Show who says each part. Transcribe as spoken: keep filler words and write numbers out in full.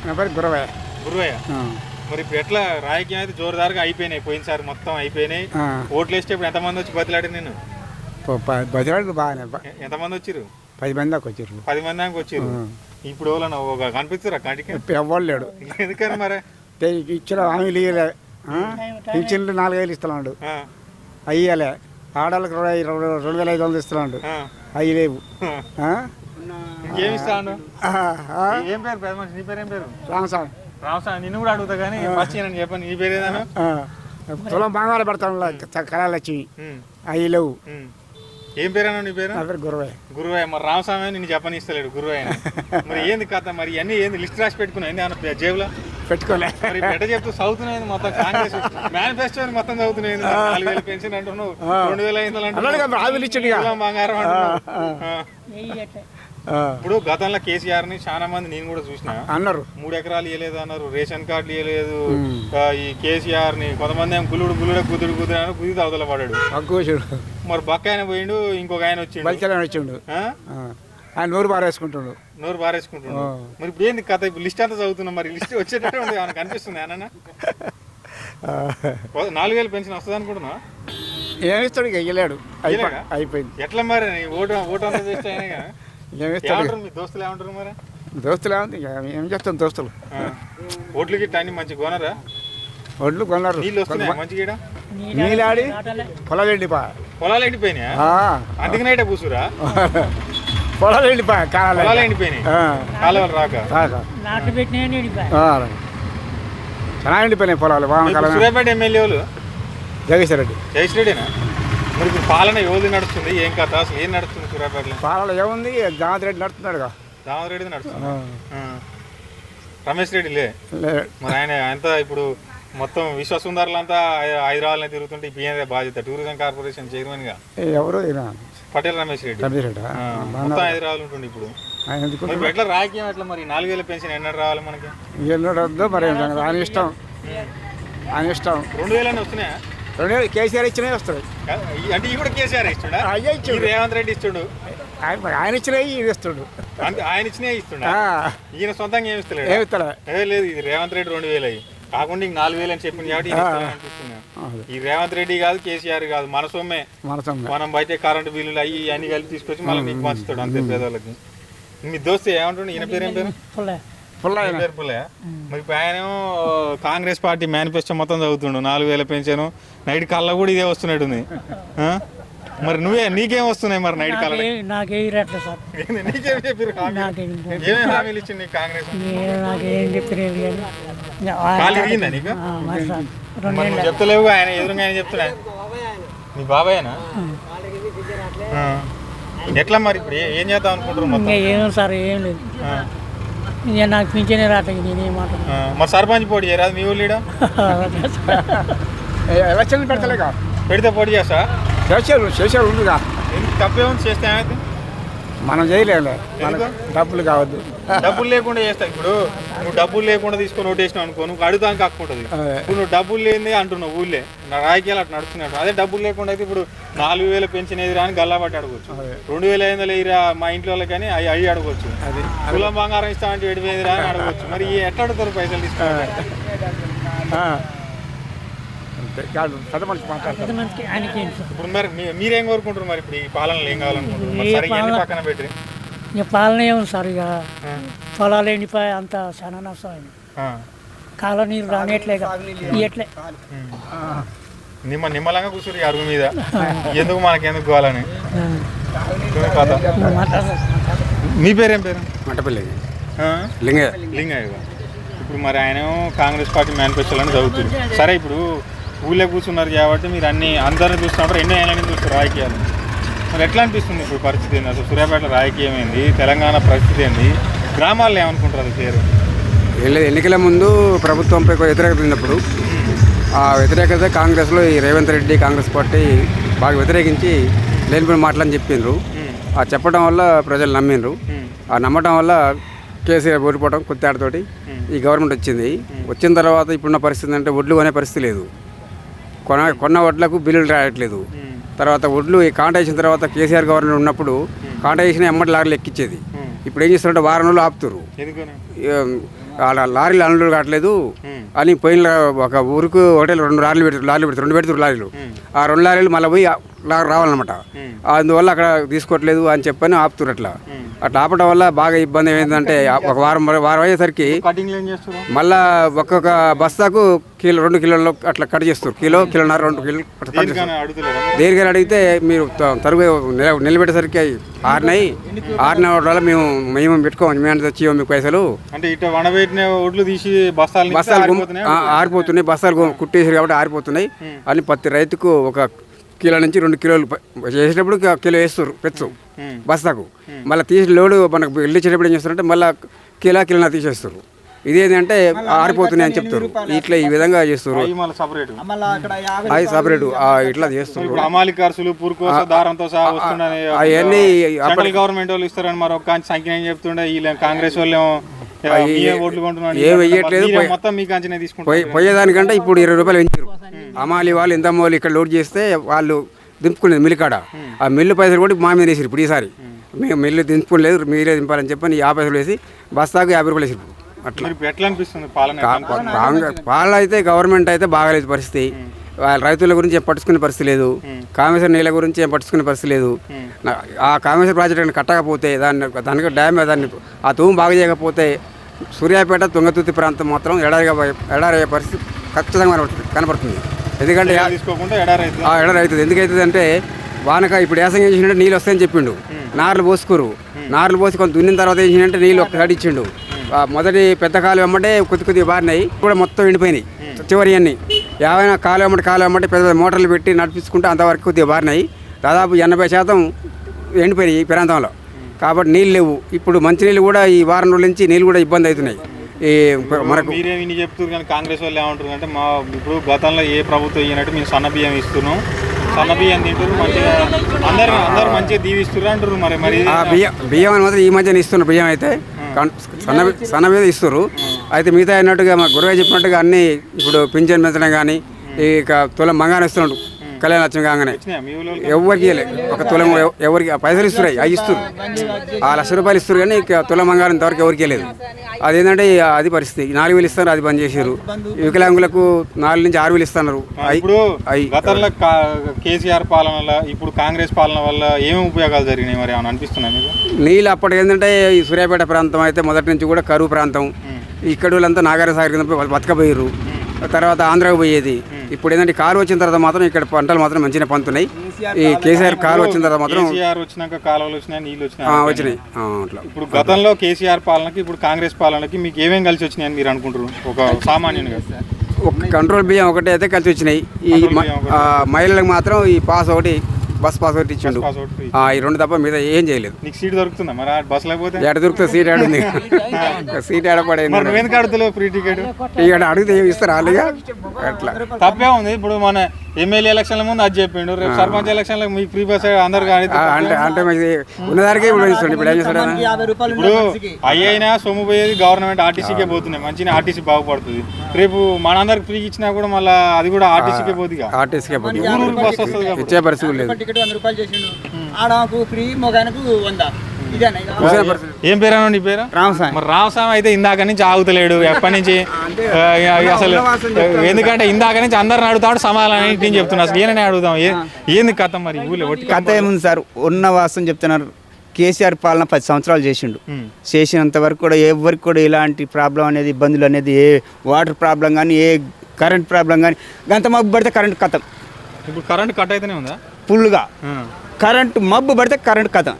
Speaker 1: నా పేరు గురవయ్య.
Speaker 2: గురువయ్య, మరి ఇప్పుడు ఎట్లా రాజకీయం అయితే జోరుదారుగా అయిపోయినాయి, పోయినసారి మొత్తం అయిపోయినాయి. ఓట్లు వేస్తే ఇప్పుడు ఎంతమంది వచ్చి బతిలాడి నేను
Speaker 1: బతిలాడు బాగానే
Speaker 2: ఎంతమంది వచ్చిర్రు?
Speaker 1: పది మంది దాకా వచ్చారు.
Speaker 2: పది మంది దాకా వచ్చిర్రు. ఇప్పుడు వాళ్ళని ఒక కనిపిస్తురా కంటికి
Speaker 1: ఎవ్వరు లేడు.
Speaker 2: ఎందుకని మరి
Speaker 1: ఇచ్చిన హామీలు ఇవ్వలే. పింఛన్లు నాలుగైదు ఇస్తున్నాడు, అయ్యలే. ఆడవాళ్ళకి రెండు రెండు వేల ఐదు వందలు ఇస్తున్నాడు, అవి లేవు.
Speaker 2: ఇంకేమి ఇస్తాను? ఏం పేరు పెద్ద మనిషి? నీ పేరు ఏం పేరు?
Speaker 1: రామస్వామి.
Speaker 2: రామస్వామి, నిన్ను కూడా అడుగుతా కానీ ఫస్ట్ నేను చెప్పాను, నీ పేరు ఏదన్నా?
Speaker 1: తులం బంగారం పెడతాను కళాలు వచ్చి, అవి లేవు.
Speaker 2: ఏం పేరు అన్నా నీ పేరు?
Speaker 1: నా పేరు గురవయ్య.
Speaker 2: గురువయ్య. మరి రామస్వామి నిన్ను చెప్పని ఇస్తలేడు గురువయ్య. మరి ఏంది కథ? మరి అన్ని ఏంది లిస్ట్ రాసి పెట్టుకున్నా ఏంది అన్న జేబులో
Speaker 1: పెట్టుకోలే?
Speaker 2: మరి ఎట్ట చెప్తూ చదువుతున్నాయి మొత్తం కాంగ్రెస్ మేనిఫెస్టో మొత్తం చదువుతున్నాయి. నాలుగు వేల పెన్షన్ అంటున్నావు, రెండు వేల ఐదు వందలు బంగారం అంటున్నావు. ఇప్పుడు గతంలో కేసీఆర్ ని చాలా మంది నేను కూడా చూసిన
Speaker 1: అన్నారు, మూడు
Speaker 2: ఎకరాలు ఇవ్వలేదు అన్నారు, రేషన్ కార్డులు ఇవ్వలేదు. ఈ కేసీఆర్ ని కొంతమంది ఏమో గుల్లుడు గుల్లుడే కుదురు కుదురు అని కుదిరి అవతల పడాడు. మరి బక్క ఆయన పోయిండు, ఇంకొక ఆయన వచ్చిండు
Speaker 1: వచ్చిండు ఆయన నోరు బారేసుకుంటుండు
Speaker 2: నోరు బారేసుకుంటుండు మరి ఇప్పుడు ఏంది కథ? ఇప్పుడు లిస్ట్ అంతా చదువుతున్నాం, మరి లిస్ట్ వచ్చేటట్టు ఉంది మనకు అనిపిస్తుంది. అన్న నాలుగు వేలు పెన్షన్ వస్తుంది అనుకుంటున్నా?
Speaker 1: ఏమిస్తాడు? ఇక ఇవ్వలేడు, అయిపోయింది.
Speaker 2: ఎట్లా మరి ఓటు ఓటు అంతా చేస్తే అయినా ఏమంటారు మీ దోస్తులు? ఏమంటారు మరి?
Speaker 1: దోస్తులు ఏమంది ఏం చెప్తాను, దోస్తులు
Speaker 2: ఓట్లకి అన్ని మంచి కొనరా?
Speaker 1: ఒడ్లు కొన్నారు,
Speaker 2: నీళ్ళు వస్తున్నాయి మంచిగా?
Speaker 1: నీళ్ళాడి పొలాలు ఎండిపా
Speaker 2: పొలాలు ఎండిపోయినాయా? అందుకనే కూసురా
Speaker 1: పొలాలు ఎండిపా
Speaker 2: పొలాలు ఎండిపోయినాయి, కాలువలు రాక
Speaker 1: చాలా ఎండిపోయినాయి పొలాలు.
Speaker 2: సూర్యాపేట ఎమ్మెల్యేలు
Speaker 1: జగదీశ్వర రెడ్డి.
Speaker 2: జగదీశ్వర రెడ్డినా? మరి ఇప్పుడు పాలన ఎవరు నడుస్తుంది, ఏం కథ, అసలు ఏం నడుస్తుంది సూర్యాపేటలో?
Speaker 1: పాలన ఏముంది, దామోదర్ రెడ్డి నడుస్తున్నాడు.
Speaker 2: దామోదర్ రెడ్డి నడుస్తుంది, రమేష్ రెడ్డి లే. మరి ఆయన అంతా ఇప్పుడు మొత్తం విశ్వసుందరులంతా హైదరాబాద్లో తిరుగుతుంటే ఇప్పుడు ఏందే బాధ్యత? టూరిజం కార్పొరేషన్ చైర్మన్ గా
Speaker 1: ఎవరు?
Speaker 2: పటేల్ రమేష్ రెడ్డి. మొత్తం హైదరాబాద్ ఉంటుంది ఇప్పుడు. ఎట్లా రాజకీయం ఎట్లా? మరి నాలుగు వేల పెన్షన్ ఎన్నడు రావాలి మనకి?
Speaker 1: ఎన్నడద్దు మరి, ఆయన ఇష్టం, ఆయన ఇష్టం.
Speaker 2: రెండు వేలనే వస్తున్నాయా?
Speaker 1: రెండు వేలు కేసీఆర్ ఇచ్చినవి వస్తాయి.
Speaker 2: అంటే ఇవి కూడా కేసీఆర్ ఇస్తుండ?
Speaker 1: అయ్యే ఇచ్చాడు.
Speaker 2: రేవంత్ రెడ్డి ఇస్తుండు,
Speaker 1: ఆయన ఇచ్చినవి ఇది ఇస్తుండు.
Speaker 2: ఆయన ఇచ్చినవి ఇస్తుండ, ఈయన సొంతంగా ఏమి ఇస్తలేడు?
Speaker 1: ఏమి ఇస్తాడా?
Speaker 2: ఏ లేదు, ఇది రేవంత్ రెడ్డి రెండు వేలు అయ్యి కాకుండా ఇంక నాలుగు వేలు అని చెప్పింది కాబట్టి అనిపిస్తున్నా. ఈ రేవంత్ రెడ్డి కాదు, కేసీఆర్ కాదు, మన సొమ్మే. మనం బయట కరెంటు బిల్లులు అవి అన్ని కలిపి తీసుకొచ్చి మళ్ళీ నీకు పంచుతాడు అంతే పేదవాళ్ళకి. మీ దోస్తు ఏమంటుండే? ఈయన పేరు ఏం పేరు? పేరు పుల్లయ్య. మరి ఇప్పుడు ఆయనేమో కాంగ్రెస్ పార్టీ మేనిఫెస్టో మొత్తం చదువుతుండు, నాలుగు వేల పెన్షన్. నైట్ కళ్ళ కూడా ఇదే వస్తున్నట్టుంది. మరి నువ్వే నీకేం వస్తున్నాయి మరి నైట్ కళ్ళ? నీకేం చెప్పారు? ఏమేమి హామీలు ఇచ్చింది కాంగ్రెస్? కాలు ఇరిగిందా నీకు? నువ్వు చెప్తలేవు, ఆయన ఎదురుగా ఆయన చెప్తున్నా. మీ బాబాయేనా? ఎట్లా మరి ఇప్పుడు ఏం చేద్దాం అనుకుంటారు? మొత్తం
Speaker 3: ఏం సార్ ఏం లేదు, నాకు పింఛనే రావట్లేదు. నేనేం మాట
Speaker 2: మరి సర్పంచ్ పోటీ చేయరాదు మీ ఊళ్ళో?
Speaker 1: ఎలక్షన్ పెడతలేక
Speaker 2: పెడితే పోటీ చేస్తా?
Speaker 1: చేసారు చేసారు ఉందిగా.
Speaker 2: తప్పే ఉంది చేస్తే ఏమైతే?
Speaker 1: మనం చేయలేము, డబ్బులు కావద్దు.
Speaker 2: డబ్బులు లేకుండా చేస్తా. ఇప్పుడు నువ్వు డబ్బులు లేకుండా తీసుకొని ఓటేసినావు అనుకో, నువ్వు అడుగుతాను కాకుంటుంది. ఇప్పుడు నువ్వు డబ్బులు లేని అంటున్నావు ఊళ్ళే, నా రాజకీయాలు అట్లా నడుస్తున్నాడు. అదే డబ్బులు లేకుండా అయితే ఇప్పుడు నాలుగు వేల పెన్షన్ ఎదురా అని గల్లా పట్టి అడగవచ్చు, రెండు వేల ఐదు వందలు ఎదురా మా ఇంట్లో కానీ అవి అవి అడగవచ్చు, కులం బంగారం ఇస్తామంటే ఏడు వేలు ఎదురా అని అడగవచ్చు. మరి ఎట్లా అడుగుతారు పైసలు తీసుకుంటారు? ఇప్పుడు మరి మీరేం కోరుకుంటారు మరి? ఇప్పుడు ఈ పాలనలో ఏం కావాలనుకుంటారు? పక్కన పెట్టి
Speaker 3: ఇక పాలన ఏముంది సార్, ఇక పొలాలు ఎండిపోయి అంత చాలా నష్టం అయింది. కాలం నీరు రానియట్లే ఇయట్లే.
Speaker 2: నిమ్మ నిమ్మలంగా కూర్చుని అరుగు మీద ఎందుకు మనకెందుకు కావాలని. మీ పేరేం పేరు?
Speaker 1: మంటపల్లి
Speaker 2: లింగయ్య. లింగయ్య. ఇప్పుడు మరి ఆయన కాంగ్రెస్ పార్టీ మేనిఫెస్టోలని చదువుతుంది. సరే, ఇప్పుడు ఊళ్ళో కూర్చున్నారు కాబట్టి మీరు అన్ని అందరిని చూస్తున్నప్పుడు ఎన్నో ఏళ్ళని చూస్తారు రాజకీయాలు. మరి ఎట్లా అనిపిస్తుంది ఇప్పుడు పరిస్థితి ఏంది? అసలు సూర్యాపేట రాజకీయం ఏంది, తెలంగాణ పరిస్థితి ఏంది, గ్రామాల్లో ఏమనుకుంటారు అది పేరు?
Speaker 1: ఎన్నికల ముందు ప్రభుత్వంపై వ్యతిరేకత ఉన్నప్పుడు ఆ వ్యతిరేకత కాంగ్రెస్లో ఈ రేవంత్ రెడ్డి కాంగ్రెస్ పార్టీ బాగా వ్యతిరేకించి లేనిపోయిన మాటలని చెప్పిండ్రు. ఆ చెప్పడం వల్ల ప్రజలు నమ్మిండ్రు. ఆ నమ్మటం వల్ల కేసీఆర్ ఓడిపోవడం కొత్తేడతోటి ఈ గవర్నమెంట్ వచ్చింది. వచ్చిన తర్వాత ఇప్పుడున్న పరిస్థితి అంటే ఒడ్లు కొనే పరిస్థితి లేదు, కొన కొన్న వడ్లకు బిల్లులు రాయట్లేదు. తర్వాత ఒడ్లు కాంటా వేసిన తర్వాత కేసీఆర్ గవర్నమెంట్ ఉన్నప్పుడు కాంటా వేసిన ఎమ్మటి లారీలు ఎక్కించేది. ఇప్పుడు ఏం చేస్తారంటే వారం రోజులు ఆపుతారు. ఆడ లారీలు అన్లోడ్ కావట్లేదు అని పోయిన ఒక ఊరికి హోటల్ రెండు లారీలు పెడతారు లారీలు పెడతారు రెండు పెడతారు లారీలు ఆ రెండు లారీలు మళ్ళీ పోయి లా- రావాలన్నమాట అందువల్ల అక్కడ తీసుకోవట్లేదు అని చెప్పని ఆపుతున్నారు అట్లా అట్లా ఆపడం వల్ల బాగా ఇబ్బంది ఏంటంటే ఒక వారం వారం అయ్యేసరికి
Speaker 2: కటింగ్ ఏం చేస్తారు
Speaker 1: మళ్ళా ఒక్కొక్క బస్తాకు కిలో రెండు కిలోలు అట్లా కట్ చేస్తారు కిలో కిలోన్నర రెండు కిలో అట్లా కట్ చేస్తారు
Speaker 2: అడుగుతలేరా
Speaker 1: దేనికని అడిగితే మీరు త- తరుగు నిల- నిలబెట్టేసరికి ఆరినాయి ఆరిన వల్ల మేము మేము పెట్టుకోము మేము తెచ్చి మీకు పైసలు
Speaker 2: అంటే ఇట్లా వనబెట్టిన ఒడ్లు తీసి బస్తాలు
Speaker 1: బస్తాలు గుమ్- ఆ, ఆరిపోతున్నాయి బస్తాలు గు- కుట్టేసారు కాబట్టి ఆరిపోతున్నాయి అని ప్రతి రైతుకు ఒక కిలో నుంచి రెండు కిలోలు ప- చేసేటప్పుడు ఒక కిలో వేస్తారు పెచ్చు బస్తాకు మళ్ళీ తీసి లోడు మనకు వెళ్ళిచ్చేటప్పుడు ఏం చేస్తారంటే మళ్ళీ కిలో కిలోన తీసేస్తారు ఇదేంటంటే ఆరిపోతున్నాయి అని చెప్తారు ఇట్లా ఈ విధంగా చేస్తారు
Speaker 2: మళ్ళీ సపరేట్
Speaker 1: అవి సపరేట్ ఇట్లా చేస్తారు
Speaker 2: ఇప్పుడు అమాలి ఖర్చులు పురుకోస దారంతో సహా వస్తుండని
Speaker 1: అవన్నీ
Speaker 2: సెంట్రల్ గవర్నమెంట్ వాళ్ళు ఇస్తారని మరి ఒక సంఖ్య ఏం చెప్తుండే వీళ్ళ కాంగ్రెస్ వాళ్ళు ఏమో, మీరే ఓట్లు కొంటున్నాను
Speaker 1: ఏం వెయ్యట్లేదు,
Speaker 2: మీరే మొత్తం మీ కంచెనే తీసుకుంటారు
Speaker 1: పోయి పోయేదానికంటే ఇప్పుడు ఇరవై రూపాయలు పెంచారు అమాలి వాళ్ళు ఎంత మోలు ఇక్కడ లోడ్ చేస్తే వాళ్ళు దింపుకునేది మిల్లు కాడ ఆ మిల్లు పైసలు కూడా మా మీద వేసారు ఇప్పుడు ఈసారి మేము మిల్లు దింపుకోలేదు మీరే దింపాలని చెప్పని యాభై పైసలు వేసి బస్తాకు యాభై రూపాయలు వేసారు అట్లా
Speaker 2: మీరు ఎట్లా అనిపిస్తుంది పాలన ఎట్లా అనిపిస్తుంది?
Speaker 1: కాంగ్రెస్ పాలన అయితే గవర్నమెంట్ అయితే బాగాలేదు పరిస్థితి వాళ్ళ రైతుల గురించి ఏం పట్టించుకునే పరిస్థితి లేదు కామేశ్వర నీళ్ళ గురించి ఏం పట్టించుకునే పరిస్థితి లేదు నా- ఆ కామేశ్వర ప్రాజెక్ట్ కట్టకపోతే దాన్ని దానికి డ్యామ్ దాన్ని ఆ తూము బాగా చేయకపోతే సూర్యాపేట తుంగతుర్తి ప్రాంతం మాత్రం ఎడారిగా ఎడారి అయ్యే పరిస్థితి ఖచ్చితంగా కనబడుతుంది కనబడుతుంది ఎందుకంటే
Speaker 2: ఏం తీసుకోకుండా ఎడారి అవుతుంది.
Speaker 1: ఆ ఎడారి అవుతుంది ఎందుకైతుంది అంటే వానక ఇప్పుడు యాసంగా చేసినట్టే నీళ్ళు వస్తాయని చెప్పిండు నార్లు పోసుకోరు నార్లు పోసి కొంత దున్నిన తర్వాత ఏం చేసినట్టే నీళ్ళు ఒక్కసారి ఇచ్చిండు ఆ మొదటి పెద్ద కాలు వెంబడే కొద్ది కొద్దిగా బారినాయి కూడా మొత్తం ఎండిపోయినాయి చివరి అన్ని ఏమైనా కాలు వెంబడి కాలు వెంబడి పెద్ద పెద్ద మోటార్లు పెట్టి నడిపించుకుంటే అంతవరకు కొద్దిగా బారినాయి దాదాపు ఎనభై శాతం ఎండిపోయినాయి ఈ ప్రాంతంలో కాబట్టి నీళ్ళు లేవు ఇప్పుడు మంచినీళ్ళు కూడా ఈ వారం రోజుల నుంచి నీళ్ళు కూడా ఇబ్బంది అవుతున్నాయి ఈ మనకు
Speaker 2: మీరే విని చెప్తున్నారు కానీ కాంగ్రెస్ వాళ్ళు ఏమంటారు అంటే మా ఇప్పుడు గతంలో ఏ ప్రభుత్వం ఇయ్యనట్టు మేము సన్న బియ్యం ఇస్తున్నాం సన్న బియ్యం తింటారు మంచిగా అందరు అందరు మంచిగా దీవిస్తున్నారు అంటారు మరి మరి
Speaker 1: ఆ బియ్యం బియ్యం అని మాత్రం ఈ మధ్యన ఇస్తున్నారు బియ్యం అయితే కన్- సన్న బి- సన్న మీద ఇస్తారు అయితే మిగతా అన్నట్టుగా మా గురువే చెప్పినట్టుగా అన్ని ఇప్పుడు పింఛన్ పెంచడం కానీ ఇక తులం మంగానే ఇస్తున్నాడు కళ్యాణ లక్ష్మి కాగానే
Speaker 2: వచ్చినాయా మీ ఊళ్ళో
Speaker 1: ఎవరికి ఇవ్వలే ఒక తులం ఎవ- ఎవరికి ఆ పైసలు ఇస్తున్నాయి అవి ఇస్తారు ఆ లక్ష రూపాయలు ఇస్తారు కానీ ఇక తులం బంగారం ఇంతవరకు ఎవరికి వెళ్ళలేదు అదేంటంటే అది పరిస్థితి నాలుగు వేలు ఇస్తారు అది బంద్ చేశారు వికలాంగులకు నాలుగు నుంచి ఆరు వేలు ఇస్తున్నారు అయి-
Speaker 2: ఇప్పుడు
Speaker 1: అయి
Speaker 2: గతంలో కా- కేసీఆర్ పాలన వల్ల ఇప్పుడు కాంగ్రెస్ పాలన వల్ల ఏమేమి ఉపయోగాలు జరిగినాయి మరి ఏమైనా అనిపిస్తున్నాయి మీకు
Speaker 1: నీళ్ళు అప్పటికి ఏంటంటే ఈ సూర్యాపేట ప్రాంతం అయితే మొదటి నుంచి కూడా కరువు ప్రాంతం ఇక్కడ వాళ్ళంతా నాగార్జున సాగర్ కింద బతకపోయారు తర్వాత ఆంధ్రాకు పోయేది ఇప్పుడు ఏంటంటే కారు వచ్చిన తర్వాత మాత్రం ఇక్కడ పంటలు మాత్రం మంచిగా పండుతున్నాయి ఈ కేసీఆర్ కారు వచ్చిన తర్వాత మాత్రం
Speaker 2: కేసీఆర్ వచ్చినాక కాలువలు వచ్చినాయి నీళ్ళు
Speaker 1: ఆ,
Speaker 2: వచ్చినాయి
Speaker 1: వచ్చినాయి ఆ, అట్లా
Speaker 2: ఇప్పుడు గతంలో కేసీఆర్ పాలనకి ఇప్పుడు కాంగ్రెస్ పాలనకి మీకు ఏమేమి కలిసి వచ్చినాయని మీరు అనుకుంటారు ఒక సామాన్యునిగా
Speaker 1: ఒక కంట్రోల్ బియ్యం ఒకటి అయితే కలిసి వచ్చినాయి ఈ
Speaker 2: కంట్రోల్
Speaker 1: మ-
Speaker 2: బియ్యం ఒకటి.
Speaker 1: ఆ, మహిళలకు మాత్రం ఈ పాస్ ఒకటి బస్ పాస్ ఒకటి ఇచ్చిండు
Speaker 2: పాస్ అవుట్ ఫ్రీ.
Speaker 1: ఆ, ఈ రెండు తప్ప మీద ఏం చేయలేదు
Speaker 2: నీకు సీట్ దొరుకుతుందా మరి ఆ బస్ లేకపోతే
Speaker 1: ఎడ దొరికితే సీట్ ఆడ ఉంది సీట్ ఆడ పడేది
Speaker 2: మరి నువ్వెందుకు అడుగుతలేవు ఫ్రీ టికెట్
Speaker 1: ఇక్కడ అడిగితే ఏమి ఇస్తారు వాళ్ళుగా అట్లా
Speaker 2: తప్పే ఉంది ఇప్పుడు మన ఎమ్మెల్యే ఎలక్షన్ల ముందు అది చెప్పిండు రేపు సర్పంచ్ ఎలక్షన్లకు మీకు ఫ్రీ బస్ అందరు కానీ
Speaker 1: ఆ, అంటే అంటే మరి ఉన్నదానికే ఇప్పుడు ఇస్తుంది ఇప్పుడు ఏం చేస్తాడు ఆయన?
Speaker 2: ఇప్పుడు అయ్యైనా సొమ్ము పోయేది గవర్నమెంట్ ఆర్టీసీకే పోతున్నాయి మంచిగా ఆర్టీసీ బాగుపడుతుంది రేపు మనందరికి ఫ్రీ ఇచ్చినా కూడా మళ్ళీ అది కూడా ఆర్టీసీకే పోతుంది
Speaker 1: ఆర్టీసీకే పోటీ
Speaker 2: ఊరు ఊరు బస్ వస్తుంది కాబట్టి
Speaker 1: ఇచ్చే పరిస్థితి లేదు
Speaker 4: టికెట్ వంద రూపాయలు చేసిండు ఆడకు ఫ్రీ మొగాయనకు వంద ఇదేనా ఇక?
Speaker 1: చూసే పరిస్థితి
Speaker 2: ఏం పేరు నీ పేరు
Speaker 4: రామస్వామి
Speaker 2: మరి రామస్వామి అయితే ఇందాక నుంచి ఆగుతలేడు ఎప్పటి నుంచి ఆ, అసలు ఎందుకంటే ఇందాక నుంచి అందరిని అడుగుతాడు సమాధానం ఏంటి అని చెప్తున్నా అసలు ఏనని అడుగుదాం ఏ- ఏంది కథ మరి ఈ ఊళ్ళో ఒట్టి
Speaker 5: కథ ఏముంది సార్ ఉన్న వాస్తవం చెప్తున్నారు కేసీఆర్ పాలన పది సంవత్సరాలు చేసిండు
Speaker 2: ఉమ్.
Speaker 5: చేసినంత వరకు కూడా ఎవరికి కూడా ఇలాంటి ప్రాబ్లం అనేది ఇబ్బందులు అనేది ఏ వాటర్ ప్రాబ్లం కానీ ఏ కరెంట్ ప్రాబ్లం కానీ గంత మబ్బు పడితే కరెంట్ కథం
Speaker 2: ఇప్పుడు కరెంట్ కట్ అయితేనే ఉందా
Speaker 5: ఫుల్గా
Speaker 2: ఆ.
Speaker 5: కరెంట్ మబ్బు పడితే కరెంట్ కథం